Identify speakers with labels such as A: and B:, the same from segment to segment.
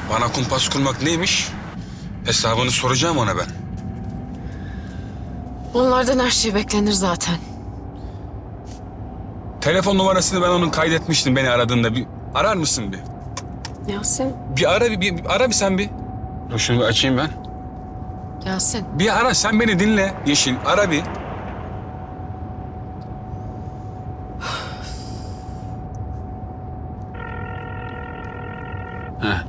A: Bana kumpas kurmak neymiş? Hesabını soracağım ona ben.
B: Onlardan her şey beklenir zaten.
A: Telefon numarasını ben onun kaydetmiştim beni aradığında. Bir arar mısın bir?
B: Yasin.
A: Bir ara bir ara bir sen bir. Dur şunu bir açayım ben.
B: Yasin.
A: Bir ara sen beni dinle Yeşil. Ara bir. Heh.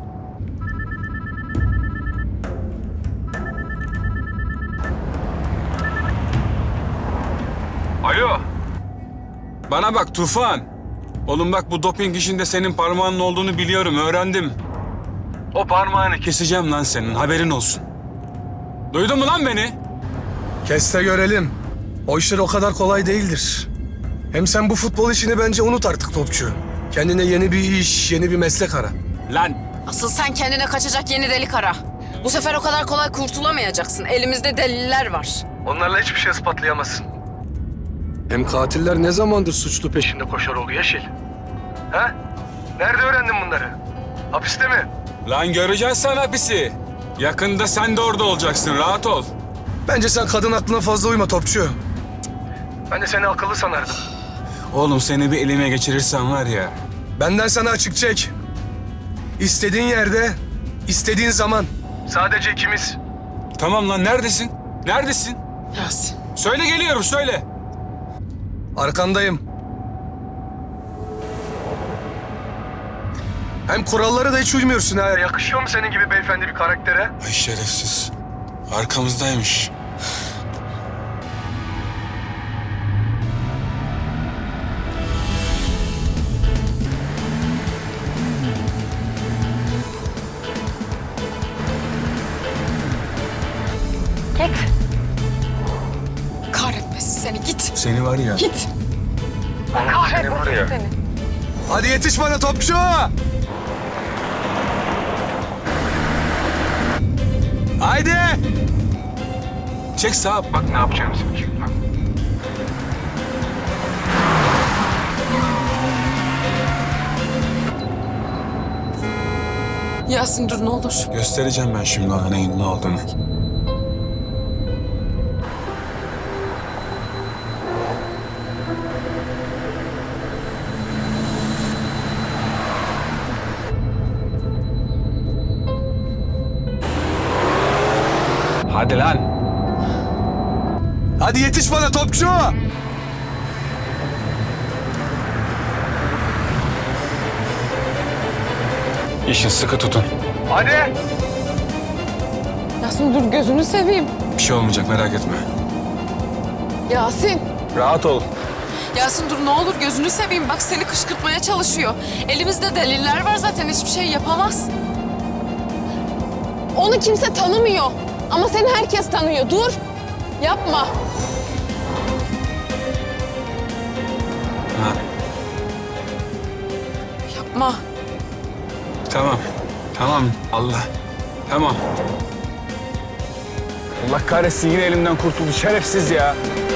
A: Alo. Bana bak Tufan. Oğlum bak bu doping işinde senin parmağının olduğunu biliyorum, öğrendim. O parmağını keseceğim lan senin, haberin olsun. Duydun mu lan beni?
C: Kes de görelim. O işler o kadar kolay değildir. Hem sen bu futbol işini bence unut artık topçu. Kendine yeni bir iş, yeni bir meslek ara.
A: Lan
B: Asıl sen kendine kaçacak yeni delik ara. Bu sefer o kadar kolay kurtulamayacaksın. Elimizde deliller var.
C: Onlarla hiçbir şey ispatlayamazsın. Hem katiller ne zamandır suçlu peşinde koşar oldu Yeşil? Ha? Nerede öğrendin bunları? Hapiste mi?
A: Lan göreceksin sen hapisi. Yakında sen de orada olacaksın, rahat ol.
C: Bence sen kadın aklına fazla uyma topçu. Ben de seni akıllı sanardım.
A: Oğlum seni bir elime geçirirsem var ya.
C: Benden sana açık çek. İstediğin yerde, istediğin zaman. Sadece ikimiz.
A: Tamam lan, neredesin? Neredesin?
B: Yasin.
A: Söyle geliyorum, söyle.
C: Arkandayım. Hem kurallara da hiç uymuyorsun ha. Yakışıyor mu senin gibi beyefendi bir karaktere?
A: Ay şerefsiz. Arkamızdaymış.
B: Git. Kahretmesin seni, git.
A: Seni var ya.
B: Git.
C: Seni var ya.
B: Seni.
C: Hadi yetiş bana topçu! Haydi!
A: Çek sağa. Bak ne yapacağımızı bakayım. Bak.
B: Yasin dur ne olur.
A: Göstereceğim ben şimdi ona neyin ne olduğunu. Hadi lan.
C: Hadi yetiş bana topçu!
A: İşin sıkı tutun.
C: Hadi!
B: Yasin dur gözünü seveyim.
A: Bir şey olmayacak, merak etme.
B: Yasin.
A: Rahat ol.
B: Yasin dur ne olur gözünü seveyim. Bak seni kışkırtmaya çalışıyor. Elimizde deliller var zaten hiçbir şey yapamaz. Onu kimse tanımıyor. Ama seni herkes tanıyor. Dur. Yapma.
A: Ha,
B: Yapma.
A: tamam. Tamam. Allah. Tamam. Allah kahretsin, yine elimden kurtuldu şerefsiz ya.